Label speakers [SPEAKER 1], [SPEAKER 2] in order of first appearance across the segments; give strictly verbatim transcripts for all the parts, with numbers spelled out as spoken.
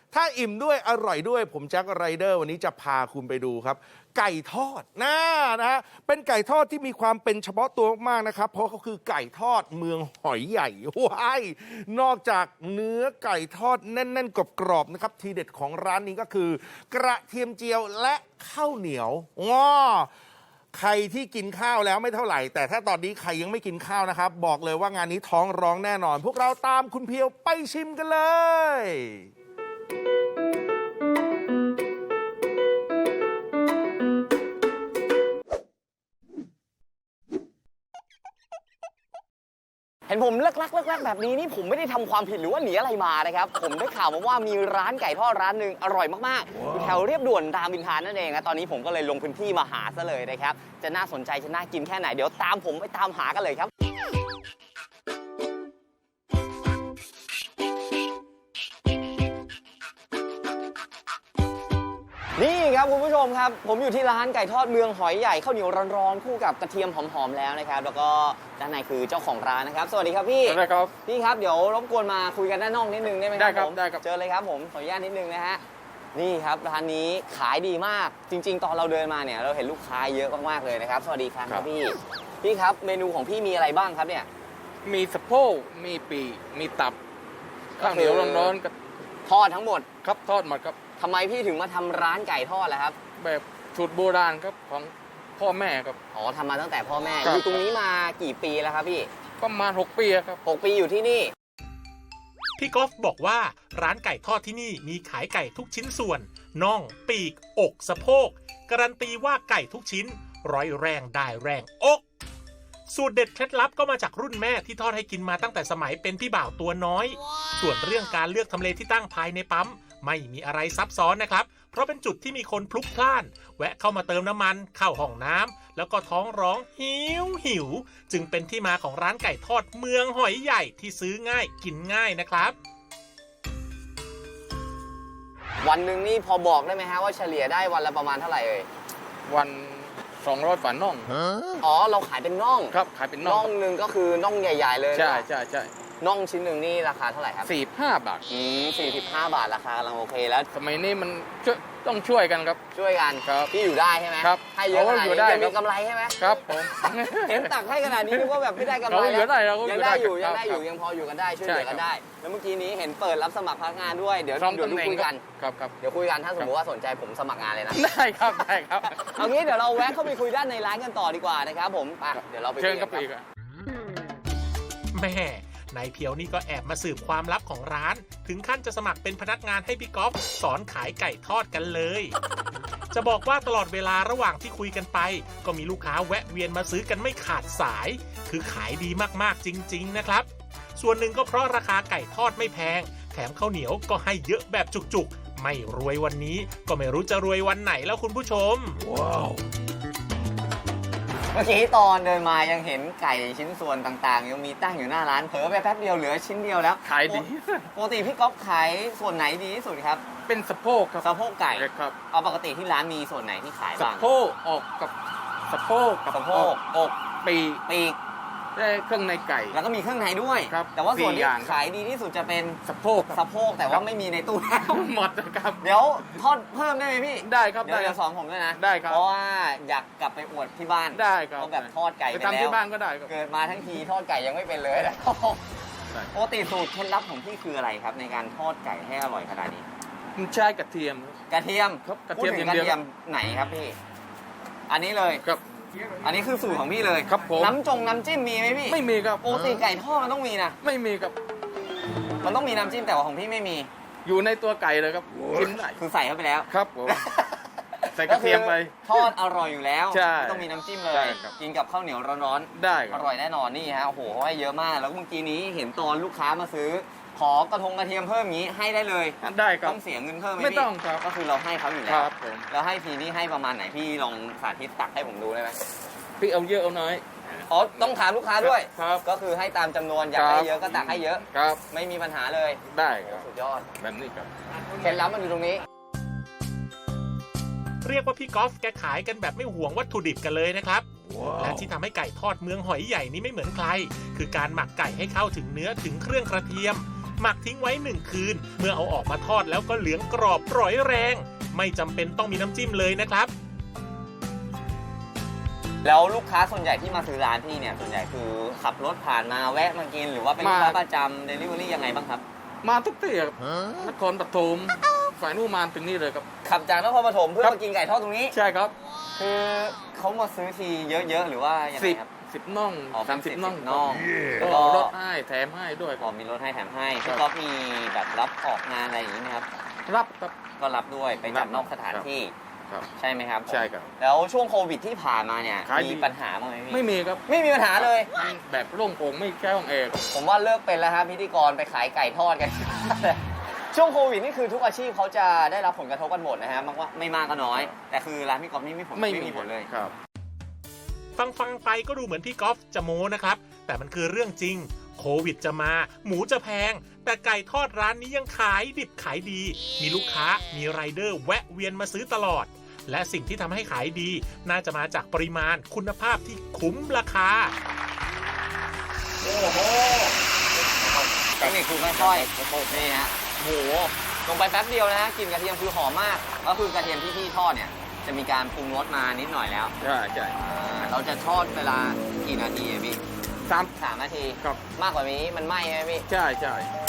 [SPEAKER 1] ถ้าอิ่มด้วยอร่อยด้วยผมแจ็คไรเดอร์วันนี้จะพาคุณไปดูครับไก่ทอดนะนะฮะเป็นไก่ทอดที่มีความเป็นเฉพาะตัวมากนะครับเพราะเขาคือไก่ทอดเมืองหอยใหญ่ว้ายนอกจากเนื้อไก่ทอดแน่นๆกรอบๆนะครับทีเด็ดของร้านนี้ก็คือกระเทียมเจียวและข้าวเหนียวง้อใครที่กินข้าวแล้วไม่เท่าไหร่แต่ถ้าตอนนี้ใครยังไม่กินข้าวนะครับบอกเลยว่างานนี้ท้องร้องแน่นอนพวกเราตามคุณเพียวไปชิมกันเลย
[SPEAKER 2] เห็นผมเลิกลักเลิกลักแบบนี้นี่ผมไม่ได้ทำความผิดหรือว่าหนีอะไรมานะครับผมได้ข่าวมาว่ามีร้านไก่ทอดร้านหนึ่งอร่อยมากๆอยู่แถวเรียบด่วนรามอินทรานั่นเองนะตอนนี้ผมก็เลยลงพื้นที่มาหาซะเลยนะครับจะน่าสนใจจะน่ากินแค่ไหนเดี๋ยวตามผมไปตามหากันเลยครับนี่ครับคุณผู้ชมครับผมอยู่ที่ร้านไก่ทอดเมืองหอยใหญ่ข้าวเหนียวร้อนๆคู่กับกระเทียมหอมๆแล้วนะครับแล้วก็ด้านในคือเจ้าของร้านนะครับสวัสดีครับพี่
[SPEAKER 3] สวัสดีครับ
[SPEAKER 2] พี่ครับเดี๋ยวรบกวนมาคุยกันด้านนอกนิดนึงได้ไหมครับ
[SPEAKER 3] ได้ครับ
[SPEAKER 2] ผม
[SPEAKER 3] ได้ครับ
[SPEAKER 2] เจอเลยครับผมขออนุญาตนิดนึงนะฮะนี่ครับร้านนี้ขายดีมากจริงๆตอนเราเดินมาเนี่ยเราเห็นลูกค้าเยอะมากๆเลยนะครับสวัสดีครับพี่พี่ครับเมนูของพี่มีอะไรบ้างครับเนี่ย
[SPEAKER 3] มีสะโพกมีปีกมีตับข้าวเหนียวร้อนๆกับ
[SPEAKER 2] ทอดทั้งหมด
[SPEAKER 3] ครับทอดหมดครับ
[SPEAKER 2] ทำไมพี่ถึงมาทำร้านไก่ทอดล่ะครับ
[SPEAKER 3] แบบสูตรโบราณครับของพ่อแม่ครับ
[SPEAKER 2] อ๋อทำมาตั้งแต่พ่อแม่
[SPEAKER 3] ครับ
[SPEAKER 2] อยู่ตรงนี้มากี่ปีแล้วครับพี่
[SPEAKER 3] ประมาณหกปีครับ
[SPEAKER 2] หกปีอยู่ที่นี่
[SPEAKER 4] พี่กอล์ฟบอกว่าร้านไก่ทอดที่นี่มีขายไก่ทุกชิ้นส่วนน่องปีกอกสะโพกการันตีว่าไก่ทุกชิ้นร้อยแรงได้แรงอกสูตรเด็ดเคล็ดลับก็มาจากรุ่นแม่ที่ทอดให้กินมาตั้งแต่สมัยเป็นพี่บ่าวตัวน้อยส่วนเรื่องการเลือกทำเลที่ตั้งภายในปั๊มไม่มีอะไรซับซ้อนนะครับเพราะเป็นจุดที่มีคนพลุกพล่านแวะเข้ามาเติมน้ำมันเข้าห้องน้ำแล้วก็ท้องร้องหิวหิวจึงเป็นที่มาของร้านไก่ทอดเมืองหอยใหญ่ที่ซื้อง่ายกินง่ายนะครับ
[SPEAKER 2] วันหนึ่งนี่พอบอกได้ไหมฮะว่าเฉลี่ยได้วันละประมาณเท่าไหร่เอ่ย
[SPEAKER 3] วันสองร้อยฝาน่อง
[SPEAKER 2] อ๋อเราขายเป็นน่อง
[SPEAKER 3] ครับขายเป็นน่
[SPEAKER 2] องน่องหนึ่งก็คือน่องใหญ่ๆเลย
[SPEAKER 3] ใช่ใช่ใช่
[SPEAKER 2] น่องชิ้นหนึ่งนี่ราคาเท่าไหร่ครับ
[SPEAKER 3] สี่สิบห้าบาท
[SPEAKER 2] อืมสี่สิบห้าบาทราคากำลังโอเคแล้ว
[SPEAKER 3] สมัยนี้มันช่วยต้องช่วยกันครับ
[SPEAKER 2] ช่วยกัน
[SPEAKER 3] ครับ
[SPEAKER 2] พี่อยู่ได้ใช่ไหม
[SPEAKER 3] ครับ
[SPEAKER 2] ให้เยอะขนาดนี้ยังมีกำไรใช่ไหม
[SPEAKER 3] ครับผม
[SPEAKER 2] เห็นตักให้ขนาดนี้นึกว่าแบบไม่ได้กำไร
[SPEAKER 3] แล้ว
[SPEAKER 2] ยังได้อยู่ยังได้อยู่ยังพออยู่กันได้ช่วยเหลือกันได้แล้วเมื่อกี้นี้เห็นเปิดรับสมัครพนักงานด้วยเดี๋ยวเดี๋ยวคุยกัน
[SPEAKER 3] ครับครับ
[SPEAKER 2] เดี๋ยวคุยกันถ้าสมมติว่าสนใจผมสมัครงานเลยนะ
[SPEAKER 3] ได้ครับได้ครับ
[SPEAKER 2] เอางี้เดี๋ยวเราแวะเข้าไปคุยด้านในร้านกันต่อดีกว่านะครับผมไปเดี๋ยวเราไป
[SPEAKER 3] เชิญครับอีก
[SPEAKER 4] แม่นายเพียวนี่ก็แอบมาสืบความลับของร้านถึงขั้นจะสมัครเป็นพนักงานให้พี่ก๊อฟสอนขายไก่ทอดกันเลยจะบอกว่าตลอดเวลาระหว่างที่คุยกันไปก็มีลูกค้าแวะเวียนมาซื้อกันไม่ขาดสายคือขายดีมากๆจริงๆนะครับส่วนหนึ่งก็เพราะราคาไก่ทอดไม่แพงแถมข้าวเหนียวก็ให้เยอะแบบจุกๆไม่รวยวันนี้ก็ไม่รู้จะรวยวันไหนแล้วคุณผู้ชมว้าว
[SPEAKER 2] เมื่อกี้ตอนเดินมายังเห็นไก่ชิ้นส่วนต่างๆยังมีตั้งอยู่หน้าร้านเผลอไปแป๊บเดียวเหลือชิ้นเดียวแล้ว
[SPEAKER 3] ขายดี
[SPEAKER 2] ปกติพี่ก๊อฟขายส่วนไหนดีที่สุดครับ
[SPEAKER 3] เป็นสะโพกครับ
[SPEAKER 2] สะโพกไก่
[SPEAKER 3] ครับ
[SPEAKER 2] เอาปกติที่ร้านมีส่วนไหนที่ขายบ้าง
[SPEAKER 3] สะโพกอกกับสะโพกกับ
[SPEAKER 2] สะโพกอก
[SPEAKER 3] ปีก
[SPEAKER 2] ปีก
[SPEAKER 3] ได้เครื่องในไก่
[SPEAKER 2] แล้วก็มีเครื่องในด้วย
[SPEAKER 3] ครับ
[SPEAKER 2] แต่ว่าส่วนที่ขายดีที่สุดจะเป็น
[SPEAKER 3] สะโพก
[SPEAKER 2] สะโพกแต่ว่าไม่มีในตู้แล้ว
[SPEAKER 3] หมดนะครับ
[SPEAKER 2] เดี๋ยวทอดเพิ่มได้ไหมพี่
[SPEAKER 3] ได้ครับ
[SPEAKER 2] เดี๋ยวจะสอนผมด้วยนะ
[SPEAKER 3] ได้ครับ
[SPEAKER 2] เพราะว่าอยากกลับไปอวดที่บ้าน
[SPEAKER 3] ได้ครับ
[SPEAKER 2] แบบทอดไก่ไปแล้ว
[SPEAKER 3] ทำที่บ้านก็ได้
[SPEAKER 2] เกิดมาทั้งทีทอดไก่ยังไม่เป็นเลยนะปกติสูตรเคล็ดลับของพี่คืออะไรครับในการทอดไก่ให้อร่อยขนาดนี้
[SPEAKER 3] ใช้กระเทียม
[SPEAKER 2] กระเทียม
[SPEAKER 3] ครับกระเทียม
[SPEAKER 2] กระเทียมไหนครับพี่อันนี้เลย
[SPEAKER 3] ครับ
[SPEAKER 2] อันนี้คือสูตรของพี่เลย
[SPEAKER 3] ครับผม
[SPEAKER 2] น้ำจงน้ำจิ้มมีไหมพี่
[SPEAKER 3] ไม่มีครับ
[SPEAKER 2] ปกติไก่ทอดมันต้องมีนะ
[SPEAKER 3] ไม่มีครับ
[SPEAKER 2] มันต้องมีน้ำจิ้มแต่ว่าของพี่ไม่มี
[SPEAKER 3] อยู่ในตัวไก่เลยครับกินได้
[SPEAKER 2] คือใส่เข้าไปแล้ว
[SPEAKER 3] ครับผมใส่กระเทียมไป
[SPEAKER 2] ทอดอร่อยอยู่แล้ว
[SPEAKER 3] ไม่
[SPEAKER 2] ต้องมีน้ำจิ้มเลยกินกับข้าวเหนียวร้อน
[SPEAKER 3] ๆได้
[SPEAKER 2] อร่อยแน่นอนนี่ฮะโอ้โหเขาให้เยอะมากแล้วเมื่อกี้นี้เห็นตอนลูกค้ามาซื้อขอกระทงกระเทียมเพิ่มอย่างนี้ให้ได้เลย
[SPEAKER 3] ได้ครับ
[SPEAKER 2] ต้องเสียเงินเพิ่มไหม
[SPEAKER 3] ไม่ต้องครับ
[SPEAKER 2] ก็คือเราให้เขาอยู่แล้ว
[SPEAKER 3] ครับผม
[SPEAKER 2] แล้วให้ทีนี้ให้ประมาณไหนพี่ลองสาธิตตักให้ผมดูได้ไหม
[SPEAKER 3] พี่เอาเยอะเอาน้อย
[SPEAKER 2] อ๋อต้องถามลูกค้าด้วย
[SPEAKER 3] ครับ
[SPEAKER 2] ก็คือให้ตามจำนวนอยากให้เยอะก็ตักให้เยอะ
[SPEAKER 3] ครับ
[SPEAKER 2] ไม่มีปัญหาเลย
[SPEAKER 3] ได้ครับ
[SPEAKER 2] สุดยอด
[SPEAKER 3] แบบนี้ครับ
[SPEAKER 2] เคล็ดลับมันอยู่ตรงนี้
[SPEAKER 4] เรียกว่าพี่กอล์ฟแกขายกันแบบไม่ห่วงวัตถุดิบกันเลยนะครับ wow. และที่ทำให้ไก่ทอดเมืองหอยใหญ่นี้ไม่เหมือนใครคือการหมักไก่ให้เข้าถึงเนื้อถึงเครื่องกระเทียมหมักทิ้งไว้หนึ่งคืน เมื่อเอาออกมาทอดแล้วก็เหลืองกรอบร่อยแรง ไม่จำเป็นต้องมีน้ำจิ้มเลยนะครับ
[SPEAKER 2] แล้วลูกค้าส่วนใหญ่ที่มาซื้อร้านพี่เนี่ยส่วนใหญ่คือขับรถผ่านมาแวะมากินหรือว่าเป็นลูกค้าประจำเดลิเวอรี่ยังไงบ้างครับ
[SPEAKER 3] มาทุกที่ครับนครปฐมฝ่ายนู่นมาถึงนี่เลยครับ
[SPEAKER 2] ขับจากนครปฐมเพื่อ
[SPEAKER 3] ครับ
[SPEAKER 2] มากินไก่ทอดตรงนี้
[SPEAKER 3] ใช่ครับ
[SPEAKER 2] คือเขามาซื้อทีเยอะๆหรือว่ายังไง
[SPEAKER 3] สิบ
[SPEAKER 2] ครับ
[SPEAKER 3] สิบน่อง
[SPEAKER 2] อ๋อ
[SPEAKER 3] สามสิบ
[SPEAKER 2] เป็น
[SPEAKER 3] น่อง
[SPEAKER 2] สิบน่อง
[SPEAKER 3] ก็
[SPEAKER 2] แล้วก็
[SPEAKER 3] ลดให้แถมให้ด้วยค
[SPEAKER 2] อ๋
[SPEAKER 3] รั
[SPEAKER 2] อบ มีรถให้แถมให้
[SPEAKER 3] ครั
[SPEAKER 2] พี่
[SPEAKER 3] บ
[SPEAKER 2] ก๊อฟมีแบบรับออกงานอะไรอย่างนี้ไหมครับ
[SPEAKER 3] รับครับ
[SPEAKER 2] ก็รับด้วยไปจัดนอกสถาน
[SPEAKER 3] ครับ
[SPEAKER 2] ที่
[SPEAKER 3] ครับ
[SPEAKER 2] ใช่ไหมครับ
[SPEAKER 3] ใช่ครับ
[SPEAKER 2] แล้วช่วงโควิดที่ผ่านมาเนี่ย
[SPEAKER 3] ขายดี
[SPEAKER 2] มีปัญหาบ้างไหมพี่
[SPEAKER 3] ไม่มีครับ
[SPEAKER 2] ไม่มีปัญหาเลย
[SPEAKER 3] แบบโล่งโปร่งไม่แก้วเอง
[SPEAKER 2] ผมว่าเลิกเป็นแล้วครับพิธีกรไปขายไก่ทอดกัน ช่วงโควิดนี่คือทุกอาชีพเขาจะได้รับผลกระทบกันหมดนะฮะมากว่าไม่มากก็น้อย แต่คือร้านพี่ก๊อฟนี่ไม่ผลไม่มีผลเลย
[SPEAKER 3] ครับ
[SPEAKER 4] ฟังฟังๆไปก็ดูเหมือนพี่ก๊อฟจะโม้นะครับ แต่มันคือเรื่องจริง โควิดจะมา หมูจะแพง แต่ไก่ทอดร้านนี้ยังขายดิบขายดี มีลูกค้ามีไรเดอร์แวะเวียนมาซื้อตลอด และสิ่งที่ทำให้ขายดี น่าจะมาจากปริมาณคุณภาพที่คุ้มราคา
[SPEAKER 2] โอ้โหเทคนิคคือค่อยๆนี่ฮะโอ้โหลงไปแป๊บเดียวนะฮะกลิ่นกระเทียมคือหอมมาก ก็คือกระเทียมที่พี่ทอดเนี่ยจะมีการปรุงรสมานิดหน่อยแล้ว
[SPEAKER 3] ใช่ใช่
[SPEAKER 2] อ่าเราจะทอดเวลากี่นาทีอะพี่
[SPEAKER 3] สาม
[SPEAKER 2] สามนาที
[SPEAKER 3] ครับ
[SPEAKER 2] มากกว่านี้มันไหม้ไหมพี่
[SPEAKER 3] ใช่ใช่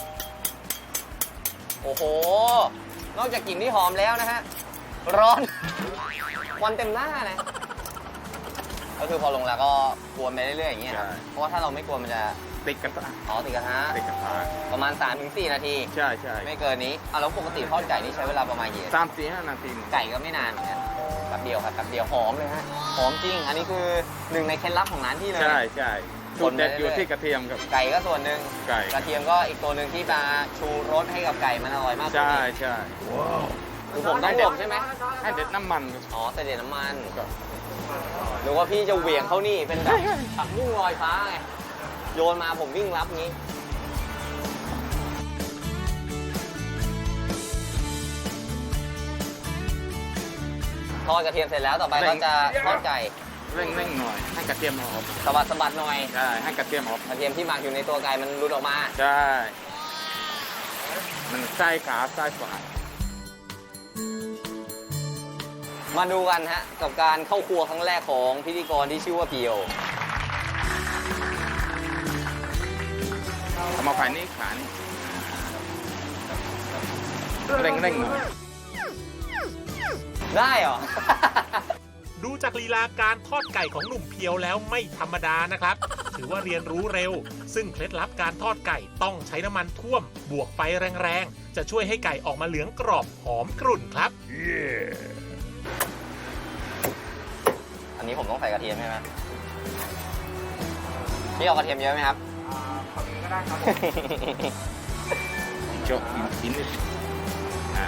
[SPEAKER 2] โอ้โห นอกจากกลิ่นที่หอมแล้วนะฮะ ร้อนควันเต็มหน้าเลย ก็คือพอลงแล้วก็กวนไปเรื่อยๆอย่างเงี้ยครับเพราะว่าถ้าเราไม่กวนมันจะ
[SPEAKER 3] ติดกระทะ
[SPEAKER 2] อ๋อติดกระทะ
[SPEAKER 3] ติดกระทะ
[SPEAKER 2] ประมาณ สามถึงสี่ นาที
[SPEAKER 3] ใช่ใช่
[SPEAKER 2] ไม่เกินนี้อ่ะแล้วปกติทอดไก่นี่ใช้เวลาประมาณกี่นาที
[SPEAKER 3] สามสี่ห้านาที
[SPEAKER 2] ไก่ก็ไม่นานเหมือนกันแป๊บเดียวครับแป๊บเดียวหอมเลยฮะ หอมจริง อันนี้คือหนึ่งในเคล็ดลับของร้านที่เลย
[SPEAKER 3] ใช่ใช่
[SPEAKER 2] ค
[SPEAKER 3] จุด
[SPEAKER 2] นไป
[SPEAKER 3] เด็ด
[SPEAKER 2] เรื่อยๆ
[SPEAKER 3] อยู่ที่กระเทียมครับ
[SPEAKER 2] ไก่ก็ส่วนหนึ่ง
[SPEAKER 3] ไก่
[SPEAKER 2] กระเทียมก็อีกตัวหนึ่งที่มาชูรสให้กับไก่มันอร่อยมากขึ้น
[SPEAKER 3] ใช่
[SPEAKER 2] อีก
[SPEAKER 3] ใช่
[SPEAKER 2] คือผมต้องบ่มใช่ไหม
[SPEAKER 3] ให้เด็ดน้ำมันครับ
[SPEAKER 2] อ๋อแต่เด็ดน้ำมัน
[SPEAKER 3] ครับ
[SPEAKER 2] หรือว่าพี่จะเหวี่ยงเขานี่เป็นแบบผักบุ้งลอยฟ้าไง โยนมาผมวิ่งรับงี้ ทอดกระเทียมเสร็จแล้วต่อไปก็จะทอดไก่
[SPEAKER 3] เร่งเร่งหน่อย ให้กระเทียมหอม
[SPEAKER 2] สะบัดสะบัดหน่อย
[SPEAKER 3] ใช่ ให้กระเทียมหอม
[SPEAKER 2] กระเทียมที่หมักอยู่ในตัวไก่มันหลุดออกมา
[SPEAKER 3] ใช่ มันใส่ขาใส่ฝา
[SPEAKER 2] มาดูกันฮะกับการเข้าครัวครั้งแรกของพิธีกรที่ชื่อว่าเพียว
[SPEAKER 3] เอามาภายนี้ขานี่เร่งเร่งหน่อย
[SPEAKER 2] ได้เหรอ
[SPEAKER 4] ดูจากลีลาการทอดไก่ของหนุ่มเพียวแล้วไม่ธรรมดานะครับ ถือว่าเรียนรู้เร็ว ซึ่งเคล็ดลับการทอดไก่ต้องใช้น้ำมันท่วม บวกไฟแรงๆ จะช่วยให้ไก่ออกมาเหลืองกรอบหอมกรุ่นครับ
[SPEAKER 2] อันนี้ผมต้องใส่กระเทียมใช่ไหมพี่เอากระเทียมเยอะไหมครับ
[SPEAKER 3] โจกกินกินนิดอ่า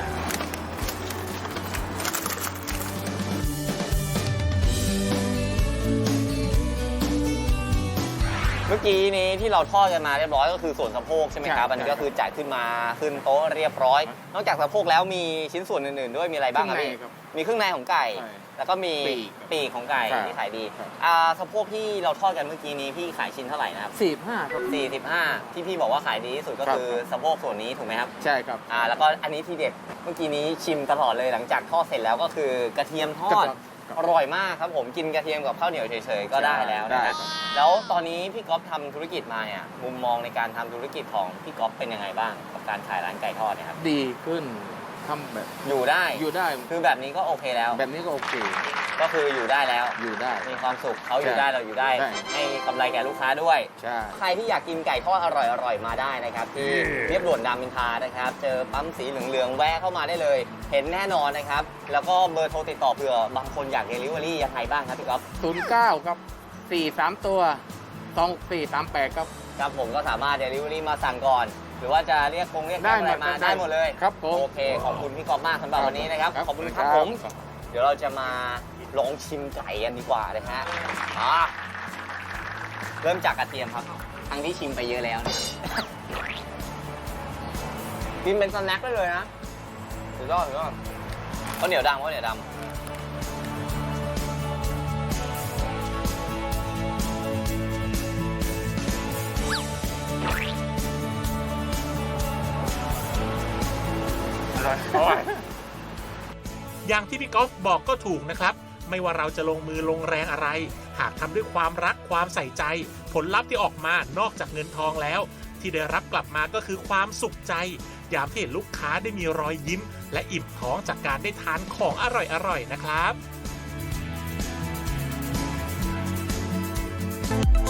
[SPEAKER 2] เมื่อกี้นี้ที่เราทอดกันมาเรียบร้อยก็คือส่วนสะโพกใช่ไหมครับ
[SPEAKER 3] ใช่
[SPEAKER 2] อันนี้ก็คือจ่ายขึ้นมาขึ้นโต๊ะเรียบร้อย นอกจากสะโพกแล้วมีชิ้นส่วนอื่นๆด้วยมีอะไรบ้างครับพี่
[SPEAKER 3] เครื่องในครับ
[SPEAKER 2] มีเครื่องในของไก่
[SPEAKER 3] ใช่
[SPEAKER 2] แล้วก็มี
[SPEAKER 3] ปีก
[SPEAKER 2] ปีกของไก่
[SPEAKER 3] ครับ
[SPEAKER 2] ที่ขายดี
[SPEAKER 3] ครับ
[SPEAKER 2] อ่าสะโพกที่เราทอดกันเมื่อกี้นี้พี่ขายชิ้นเท่าไหร่นะครับ
[SPEAKER 3] สี่ห้าครับ
[SPEAKER 2] สี่สิบห้าที่พี่บอกว่าขายดีที่สุดก็
[SPEAKER 3] ครับ
[SPEAKER 2] คือสะโพกส่วนนี้ถูกไหมครับ
[SPEAKER 3] ใช่ครับ
[SPEAKER 2] อ่าแล้วก็อันนี้ที่เด็ดเมื่อกี้นี้ชิมตลอดเลยหลังจากทอดเสร็จแล้วก็คือกระเทียมทอด
[SPEAKER 3] ครับ
[SPEAKER 2] อร่อยมากครับผมกินกระเทียมกับข้าวเหนียวเฉยๆก็ได้แล้ว
[SPEAKER 3] ได้
[SPEAKER 2] นะครับ
[SPEAKER 3] ครับ
[SPEAKER 2] แล้วตอนนี้พี่ก๊อฟทำธุรกิจมาเนี่ยมุมมองในการทำธุรกิจของพี่ก๊อฟเป็นยังไงบ้างกับการขายร้านไก่ทอดเนี่ยครับ
[SPEAKER 3] ดีขึ้นทำแบบ
[SPEAKER 2] อยู่ได้
[SPEAKER 3] อยู่ได้
[SPEAKER 2] คือแบบนี้ก็โอเคแล้ว
[SPEAKER 3] แบบนี้ก็โอเค
[SPEAKER 2] ก็คืออยู่ได้แล้ว
[SPEAKER 3] อยู่ได้
[SPEAKER 2] มีความสุขเขาอยู่
[SPEAKER 3] ใช่
[SPEAKER 2] ได้เราอยู่ได้
[SPEAKER 3] ใช่
[SPEAKER 2] ให้กำไรแก่ลูกค้าด้วย
[SPEAKER 3] ใช่
[SPEAKER 2] ใครที่อยากกินไก่ทอดอร่อยๆมาได้นะครับที่เรียบด่วนรามอินทรานะครับ เจอปั๊มสีเหลืองๆแวะเข้ามาได้เลย เห็นแน่นอนนะครับ แล้วก็เบอร์โทรติดต่อเผื่อบางคนอยากเดลิเวอรี่ยังไงบ้างครับพี่ก๊อฟ
[SPEAKER 3] ศูนย์เก้าครับสี่สามตัวสองสี่สามแปดครับ
[SPEAKER 2] ครับผมก็สามารถเดลิเวอรี่มาสั่งก่อน หรือว่าจะเรียกคงเรียกแกร็บอะไรมาได้หมดเลย
[SPEAKER 3] ครับผม
[SPEAKER 2] โอเคขอบคุณพี่ก๊อฟมากสำหรับวันนี้นะครับขอบคุณครับผม เดี๋ยวเราจะมาลองชิมไก่กันดีกว่านะฮะอ่าเริ่มจากกระเทียมครับ ทั้งที่ชิมไปเยอะแล้วนะ กินเป็นสแน็คได้เลยนะสุดยอดสุดยอดข้าวเหนียวดำข้าวเหนียวดำ
[SPEAKER 4] อย่างที่พี่กอล์ฟบอกก็ถูกนะครับ ไม่ว่าเราจะลงมือลงแรงอะไร หากทำด้วยความรักความใส่ใจ ผลลัพธ์ที่ออกมานอกจากเงินทองแล้ว ที่ได้รับกลับมาก็คือความสุขใจ ยามที่เห็นลูกค้าได้มีรอยยิ้ม และอิ่มท้องจากการได้ทานของอร่อยๆนะครับ